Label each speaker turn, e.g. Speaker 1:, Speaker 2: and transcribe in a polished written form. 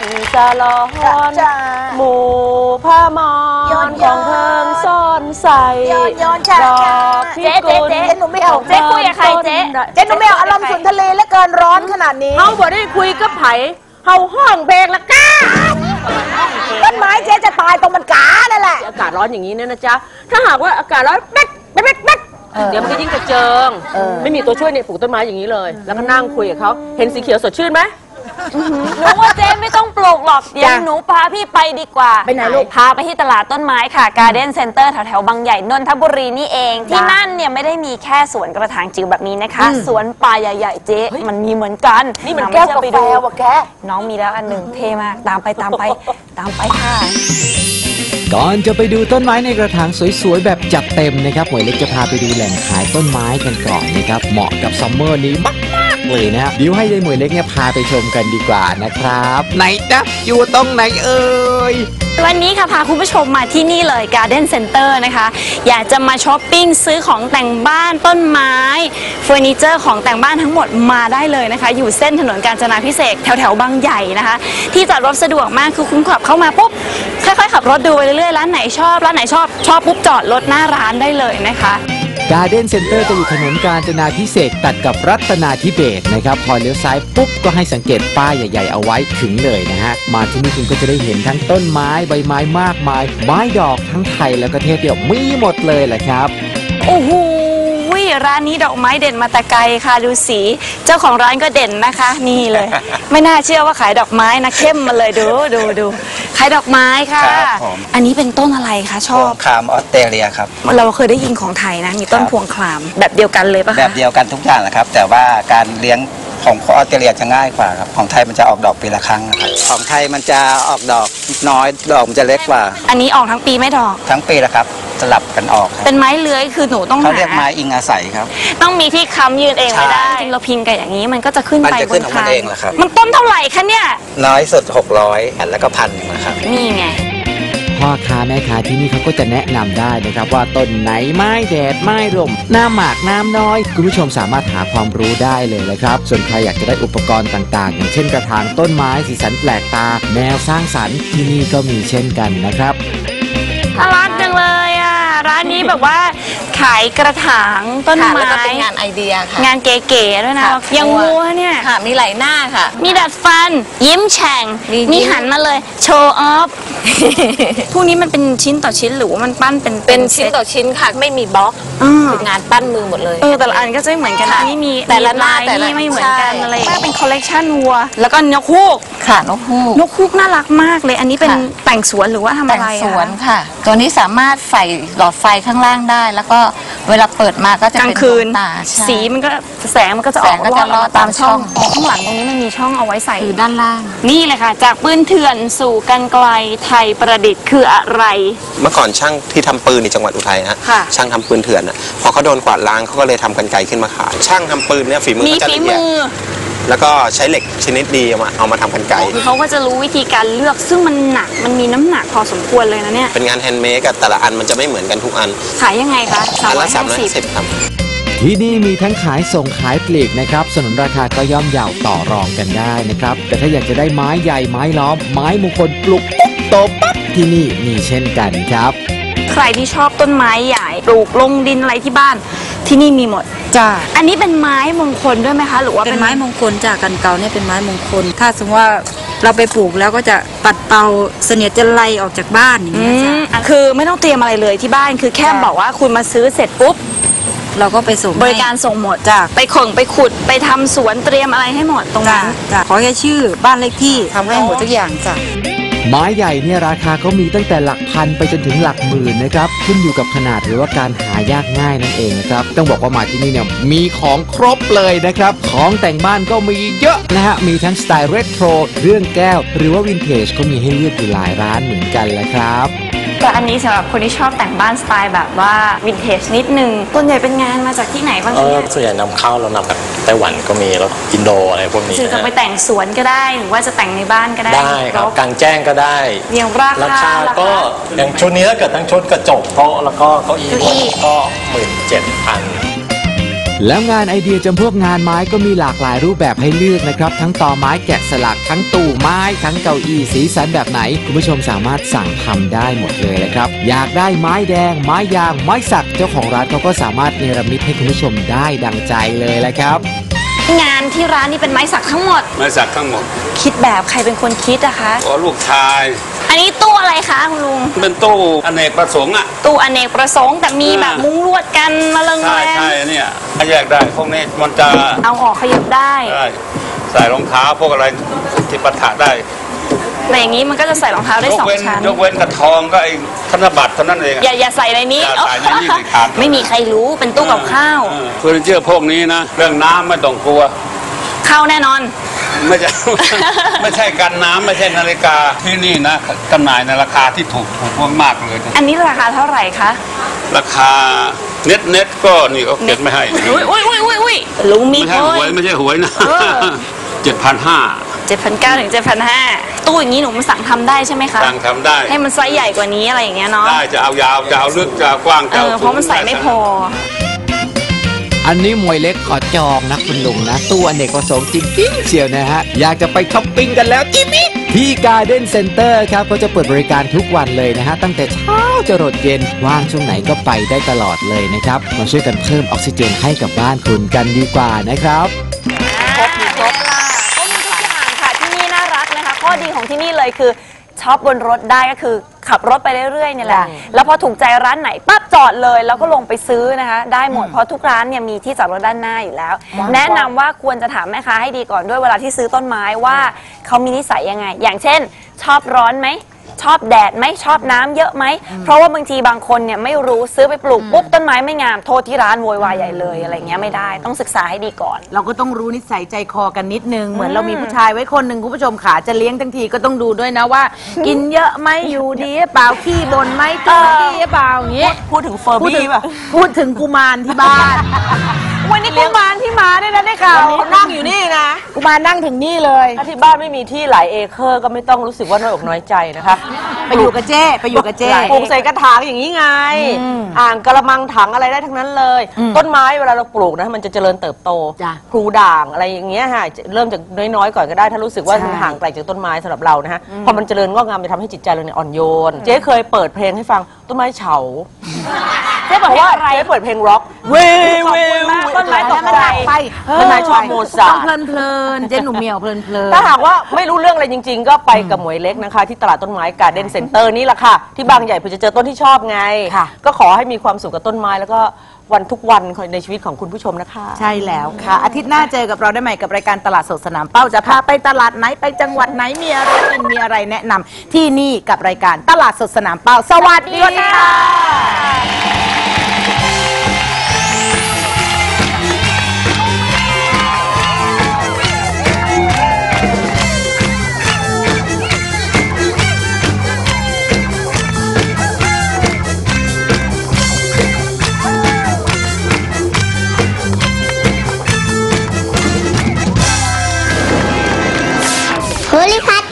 Speaker 1: สะลอนหมู่ผ้ามอนของเพิ่งซ่อนใส่ดอกพิกุล
Speaker 2: เจ๊หนูไม่เอา
Speaker 1: เจ๊คุยกับใครเจ๊
Speaker 2: หนูไม่เอาอารมณ์สุนทะเลและเกินร้อนขนาดนี้
Speaker 1: เฮาบ่ได้คุยกับไผเฮาห้องเพลงละก้า
Speaker 2: ต้นไม้เจ๊จะตายตรงมันกานั่นแหละ
Speaker 1: อากาศร้อนอย่างนี้เนี่ยนะจ๊ะถ้าหากว่าอากาศร้อนแป๊ดเดี๋ยวมันก็ยิ่งกระเจิงไม่มีตัวช่วยเนี่ยปลูกต้นไม้อย่างนี้เลยแล้วก็นั่งคุยกับเขาเห็นสีเขียวสดชื่นไหม
Speaker 3: หนูว่าเจ๊ไม่ต้องปลูกหรอกเดี๋ยวหนูพาพี่ไปดีกว่า
Speaker 2: ไปไหนลูก
Speaker 3: พาไปที่ตลาดต้นไม้ค่ะ Garden Center แถวๆบางใหญ่นนทบุรีนี่เองที่นั่นเนี่ยไม่ได้มีแค่สวนกระถางจิ๋วแบบนี้นะคะสวนป่าใหญ่ๆเจ๊มันมีเหมือนกัน
Speaker 2: นี่มันแก้วกาแฟว่ะแก
Speaker 3: น้องมีแล้วอันหนึ่งเท่มากตามไปค่ะ
Speaker 4: ก่อนจะไปดูต้นไม้ในกระถางสวยๆแบบจัดเต็มนะครับหมวยเล็กจะพาไปดูแหล่งขายต้นไม้กันก่อนนะครับเหมาะกับซัมเมอร์นี้มากๆเลยนะเดี๋ยวให้ยายหมวยเล็กเนี่ยพาไปชมกันดีกว่านะครับไหนจ๊ะอยู่ตรงไหนเอ่ย
Speaker 3: วันนี้ค่ะพาคุณผู้ชมมาที่นี่เลย Garden Center นะคะอยากจะมาช้อปปิ้งซื้อของแต่งบ้านต้นไม้เฟอร์นิเจอร์ของแต่งบ้านทั้งหมดมาได้เลยนะคะอยู่เส้นถนนกาญจนาภิเษกแถวบางใหญ่นะคะที่จอดรถสะดวกมากคือคุณขับเข้ามาปุ๊บค่อยๆขับรถดูไปเรื่อยๆร้านไหนชอบปุ๊บจอดรถหน้าร้านได้เลยนะคะ
Speaker 4: Garden Center จะอยู่ถนนกาญจนาภิเษกตัดกับรัตนาธิเบศรนะครับพอเลี้ยวซ้ายปุ๊บก็ให้สังเกตป้ายใหญ่ๆเอาไว้ถึงเลยนะฮะมาที่นี่คุณก็จะได้เห็นทั้งต้นไม้ใบไม้มากมายไม้ดอกทั้งไทยแล้วก็เทศเดียวมีหมดเลยแหละครับ
Speaker 3: โอ้โหร้านนี้ดอกไม้เด่นมาแต่ไกลค่ะดูสีเจ้าของร้านก็เด่นนะคะนี่เลย ไม่น่าเชื่อว่าขายดอกไม้นะเข้มมาเลยดูขายดอกไม้ค่ะอันนี้เป็นต้นอะไรคะชอบ
Speaker 5: พวงคลามออสเตรเลียครับ
Speaker 3: เราเคยได้ยินของไทยนะมีต้นพวงคลามแบบเดียวกันเลยปะคะ
Speaker 5: แบบเดียวกันทุกอย่างนะครับแต่ว่าการเลี้ยงของออสเตรเลียจะง่ายกว่าครับของไทยมันจะออกดอกปีละครั้งครับของไทยมันจะออกดอกน้อยดอกมันจะเล็กกว่า
Speaker 3: อันนี้ออกทั้งปีไม่ดอก
Speaker 5: ทั้งปีละครับสลับกันออก
Speaker 3: เป็นไม้เลื้อยคือหนูต้อง
Speaker 5: เขาเรียกไม้อิงอาศัยครับ
Speaker 3: ต้องมีที่ค้ำยืนเองไม่ได้จริงเราพิงกันอย่างนี้มันก็จะขึ้นไปบนคานมันต้นเท่าไหร่คะเนี่ย
Speaker 5: น้อยสุด600แล้วก็1,000นะครับ
Speaker 3: นี่ไง
Speaker 4: พ่อค้าแม่ค้าที่นี่เขาก็จะแนะนำได้นะครับว่าต้นไหนไม้แดดไม้ลมน้ำหมากน้ำน้อยคุณผู้ชมสามารถหาความรู้ได้เลยนะครับส่วนใครอยากจะได้อุปกรณ์ต่างๆอย่างเช่นกระถางต้นไม้สีสันแปลกตาแนวสร้างสรรค์ที่นี่ก็มีเช่นกันนะครับ
Speaker 3: น่ารักจังเลยอ่ะร้านนี้แบบว่าขายกระถางต้นไม้
Speaker 2: แล้วก็เป็นงานไอเดียค่ะ
Speaker 3: งานเก๋ๆด้วยนะยังวัวเนี่ย
Speaker 2: ค่ะมีหลายหน้าค่ะ
Speaker 3: มีดัดฟันยิ้มแฉ่งนี่หันมาเลยโชว์ออฟพวกนี้มันเป็นชิ้นต่อชิ้นหรือว่ามันปั้น
Speaker 2: เป็นชิ้นต่อชิ้นค่ะไม่มีบล็อกงานปั้นมือหมดเลย
Speaker 3: แต่ละอันก็จะไม่เหมือนกันนี่มีแต่ละลายนี่ไม่เหมือนกันอะไรเป็นคอลเลกชันวัวแล้วก็นกฮูก
Speaker 2: ค่ะนกฮู
Speaker 3: กน่ารักมากเลยอันนี้เป็นแต่งสวนหรือว่าทำอะไร
Speaker 2: แต่งสวนค่ะตัวนี้สามารถใส่หลอดไฟข้างล่างได้แล้วก็เวลาเปิดมาก็จะเป็น
Speaker 3: คืนสีมันก็แสงมันก็จะออกตามช่องข้างหลังตรงนี้มันมีช่องเอาไว้ใส่
Speaker 2: คือด้านล่าง
Speaker 3: นี่เลยค่ะจากปืนเถื่อนสู่กรรไกรไทยประดิษฐ์คืออะไร
Speaker 6: เมื่อก่อนช่างที่ทำปืนในจังหวัดอุทัยฮะช่างทำปืนเถื่อนอ่ะพอเขาโดนกวาดล้างเขาก็เลยทำกรรไกรขึ้นมาขายช่างทำปืนเนี่ยฝีมือเขาจะละเอียดแล้วก็ใช้เหล็กชนิดดีเอามาทำกรรไกร
Speaker 3: คือเขาก็จะรู้วิธีการเลือกซึ่งมันหนักมันมีน้ำหนักพอสมควรเลยนะเนี่ย
Speaker 6: เป็นงานแฮนด์เมดกับแต่ละอันมันจะไม่เหมือนกันทุกอัน
Speaker 3: ขายยังไงคะ
Speaker 6: อันละ350ครับ
Speaker 4: ที่นี่มีทั้งขายส่งขายปลีกนะครับสนุนราคาก็ย่อมเยาต่อรองกันได้นะครับแต่ถ้าอยากจะได้ไม้ใหญ่ไม้ล้อมไม้มงคลปลูกปุ๊บโตปั๊บที่นี่มีเช่นกันครับ
Speaker 3: ใครที่ชอบต้นไม้ใหญ่ปลูกลงดินอะไรที่บ้านที่นี่มีหมด
Speaker 2: จ้า
Speaker 3: อันนี้เป็นไม้มงคลด้วยไหมคะหรือว่า
Speaker 2: เป็นไม้มงคลจากกันเก่าเนี่ยเป็นไม้มงคลถ้าสมมติว่าเราไปปลูกแล้วก็จะปัดเป่าเสนียดจันไรออกจากบ้านอย่างนี้
Speaker 3: คือไม่ต้องเตรียมอะไรเลยที่บ้านคือแค่บอกว่าคุณมาซื้อเสร็จปุ๊บ
Speaker 2: เราก็ไปส่ง
Speaker 3: บริการส่งหมดไปขุดไปทำสวนเตรียมอะไรให้หมดตรงนั้น
Speaker 2: ขอแค่ชื่อบ้านเลขที่ทำให้หมดทุกอย่างจ้ะ
Speaker 4: ไม้ใหญ่เนี่ยราคาก็มีตั้งแต่หลักพันไปจนถึงหลักหมื่นนะครับขึ้นอยู่กับขนาดหรือว่าการหายากง่ายนั่นเองนะครับต้องบอกว่ามาที่นี่เนี่ยมีของครบเลยนะครับของแต่งบ้านก็มีเยอะนะฮะมีทั้งสไตล์เรโทรเครื่องแก้วหรือว่าวินเทจก็มีให้เลือกอยู่หลายร้านเหมือนกันแหละครับ
Speaker 3: แต่อันนี้สำหรับคนที่ชอบแต่งบ้านสไตล์แบบว่าวินเทจนิดนึงส่วนใหญ่เป็นงานมาจากที่ไหนบ้างเนี่ย
Speaker 6: ส่วนใหญ่นำเข้าเรานำจากไต้หวันก็มีแล้วอินโดอะไรพวกนี้
Speaker 3: จะไปแต่งสวนก็ได้หรือว่าจะแต่งในบ้านก็ได้
Speaker 6: ได้ครับกลางแจ้งก็ได้
Speaker 3: อย่างราคา
Speaker 6: ก็อย่างชุดนี้ถ้าเกิดทั้งชุดกระจกโต๊ะแล้วก็เก้าอี้ก็17,000
Speaker 4: แล้วงานไอเดียจำพวกงานไม้ก็มีหลากหลายรูปแบบให้เลือกนะครับทั้งต่อไม้แกะสลักทั้งตู้ไม้ทั้งเก้าอี้สีสันแบบไหนคุณผู้ชมสามารถสั่งทำได้หมดเลยนะครับอยากได้ไม้แดงไม้ยางไม้สักเจ้าของร้านเขาก็สามารถเนรมิตให้คุณผู้ชมได้ดังใจเลยแหละครับ
Speaker 3: งานที่ร้านนี่เป็นไม้สักทั้งหมด
Speaker 7: ไม้สักทั้งหมด
Speaker 3: คิดแบบใครเป็นคนคิดอะคะ
Speaker 7: อ๋อลูกชาย
Speaker 3: อันนี้ตู้อะไรคะคุณลุง
Speaker 7: เป็นตู้อเนกประสงค์อ่ะ
Speaker 3: ตู้อเนกประสงค์แต่มีแบบมุ้งลวดกันมาเริง
Speaker 7: ใช่
Speaker 3: แรง
Speaker 7: ใช่เนี่ยแยกได้พวกนี้มันจะ
Speaker 3: เอาออกขยับได้
Speaker 7: ได้ใส่รองเท้าพวกอะไรที่ปะทะได้
Speaker 3: แต่อย่างนี้มันก็จะใส่รองเท้าได้
Speaker 7: ยก
Speaker 3: สอง
Speaker 7: เว้น
Speaker 3: ชั้น
Speaker 7: ยกเว้นกระทองก็ไอ้ธนบัตรเท่านั้นเอง
Speaker 3: อย่าใส่ในนี้
Speaker 7: อย่าใส่ในนี้สิครับ
Speaker 3: ไม่มีใครรู้เป็นตู้กับข้าว
Speaker 7: เฟอร์นิเจอร์พวกนี้นะเรื่องน้ำไม่ต้องกลัว
Speaker 3: ข้าวแน่นอน
Speaker 7: ไม่ใช่ ไม่ใช่กันน้ำไม่ใช่นาฬิกาที่นี่นะจำหน่ายในราคาที่ถูกมากๆเลยนะ
Speaker 3: อันนี้ราคาเท่าไหร่คะ
Speaker 7: ราคาเน็ตก็นี่เขาเก็บไม่ให้
Speaker 3: อุ้ยลุงมี
Speaker 7: ไม่ใช่หวยไม่ใช่หวยนะ 7,500
Speaker 3: 7,900 ถึง 7,500 ตู้อย่างนี้หนูมาสั่งทำได้ใช่ไหมคะ
Speaker 7: สั่งทำได้
Speaker 3: ให้มันไซส์ใหญ่กว่านี้อะไรอย่างเงี้ยเนาะ
Speaker 7: ได้จะเอายาวจะเอาลึกจะเอากว้างจะเอา
Speaker 3: เพราะมันใส่ไม่พอ
Speaker 4: อันนี้มวยเล็กขอจองนะคุณลุงนะตู้อเนกประสงค์จริงๆเชียวนะฮะอยากจะไปช้อปปิ้งกันแล้วจิมิที่ Garden Center ครับเขาจะเปิดบริการทุกวันเลยนะฮะตั้งแต่เช้าจรดเย็นว่างช่วงไหนก็ไปได้ตลอดเลยนะครับมาช่วยกันเพิ่มออกซิเจนให้กับบ้านคุณกันดีกว่านะครับ
Speaker 3: ครบมีทุกอย่างค่ะที่นี่น่ารักนะคะข้อดีของที่นี่เลยคือช็อปบนรถได้ก็คือขับรถไปเรื่อยๆเนี่ยแหละแล้วพอถูกใจร้านไหนปั๊บจอดเลยแล้วก็ลงไปซื้อนะคะได้หมดเพราะทุกร้านเนี่ยมีที่จอดรถด้านหน้าอยู่แล้วแนะนำว่าควรจะถามแม่ค้าให้ดีก่อนด้วยเวลาที่ซื้อต้นไม้ว่าเขามีนิสัยยังไงอย่างเช่นชอบร้อนไหมชอบแดดไหมชอบน้ำเยอะไหมเพราะว่าบางทีบางคนเนี่ยไม่รู้ซื้อไปปลูกปุ๊บต้นไม้ไม่งามโทษที่ร้านโวยวายใหญ่เลยอะไรเงี้ยไม่ได้ต้องศึกษาให้ดีก่อน
Speaker 8: เราก็ต้องรู้นิสัยใจคอกันนิดนึงเหมือนเรามีผู้ชายไว้คนหนึ่งคุณผู้ชมขาจะเลี้ยงทั้งทีก็ต้องดูด้วยนะว่า กินเยอะไหมอยู่ดีหรือเปล่าขี้บ่นไหมตัวดีหรือเปล่าอย่างงี้
Speaker 1: พูดถึงเฟอร์บี้ป่ะ
Speaker 8: พูดถึงกุมารที่บ้าน วันนี้กุมารที่มาเนี่ยนะได้ข่าว
Speaker 1: เขานั่งอยู่นี่นะ
Speaker 8: กุมารนั่งถึงนี่เลย
Speaker 1: ถ้าที่บ้านไม่มีที่หลายเอเคอร์ก็ไม่ต้องรู้สึกว่าน้อยอกน้อยใจนะคะ
Speaker 8: ไปอยู่กับเจ้ไปอยู่กับเจ้
Speaker 1: ปลูกใส่กระถางอย่างนี้ไง อ่างกระมังถังอะไรได้ทั้งนั้นเลย ต้นไม้เวลาเราปลูกนะมันจะเจริญเติบโต
Speaker 8: จ้ะ
Speaker 1: พลูด่างอะไรอย่างเงี้ยค่ะเริ่มจากน้อยๆก่อนก็ได้ถ้ารู้สึกว่ามันห่างไกลจากต้นไม้สำหรับเรานะฮะพอมันเจริญงอกงามจะทำให้จิตใจเราเนี่ยอ่อนโยน เจ๊เคยเปิดเพลงให้ฟังต้นไม้เฉาเจ๊บอกว่าเจ๊เปิดเพลงร็อกเว้ยเว้ยต้นไม้ตกใจ
Speaker 8: ไป
Speaker 1: ต้นไม้ชอบโมซาร์ท
Speaker 8: เพลินเพลินๆเจ๊หนุ่มเหมียวเพลินเพลิน
Speaker 1: ถ้าหากว่าไม่รู้เรื่องอะไรจริง ๆ ก็ไปกับหมวยเล็กนะคะ ที่ตลาดต้นไม้การ์เด้นเซ็นเตอร์นี่แหละค่ะ ที่บางใหญ่เพื่อจะเจอต้นที่ชอบไง ก็ขอให้มีความสุขกับต้นไม้แล้วก็วันทุกวันในชีวิตของคุณผู้ชมนะคะ
Speaker 8: ใช่แล้วค่ะ อาทิตย์หน้าเจอกับเราได้ใหม่กับรายการตลาดสดสนามเป้าจะพาไปตลาดไหนไปจังหวัดไหนมีอะไรกินมีอะไรแนะนำที่นี่กับรายการตลาดสดสนามเป้าสวัสดีค่ะ
Speaker 9: โพลิพัท